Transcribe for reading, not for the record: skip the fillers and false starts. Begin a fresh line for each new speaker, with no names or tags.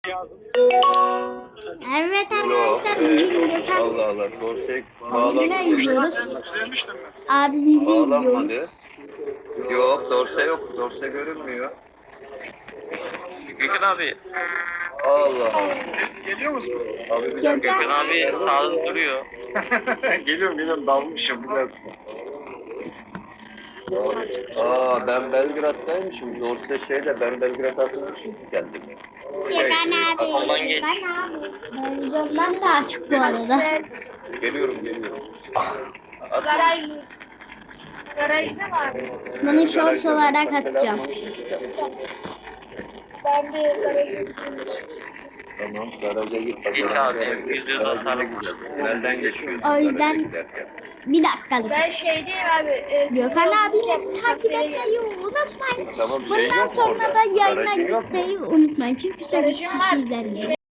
Evet arkadaşlar bugün Gökhan
Allah Allah. Dorsey
abimle izliyoruz. Abimizi
bağlanmadı.
izliyoruz.
Yok, Dorsey yok. Dorsey görünmüyor.
Gökhan abi.
Allah Allah.
Geliyor musun?
Abi bir dakika.
Gökhan
Gökhan abi sağda duruyor.
Geliyorum dalmışım biraz.
Ben Belgrad'daymışım. Dorsey şeyle ben Belgrad'a atılmışım kendim.
Gökhan abi.
Ondan geç.
Gökhan abi. Televizyondan da açık bu arada.
Geliyorum.
Garajda var.
Bunu shorts olarak atacağım.
Ben de garajda.
Tamam, garaja git.
Geç abi, yüzüğü de sarı.
Belden geçiyorsun.
O yüzden
garaja giderken.
bir dakikalık.
Ben şey değil abi.
Gökhan abinizi takip etmeyi unutmayın.
Tamam, şey
Bundan
yok mu
sonra
orada?
da yayına
Garajın yok mu?
gitmeyi unutmayın. Çünkü 8 kişi izlenmiyor.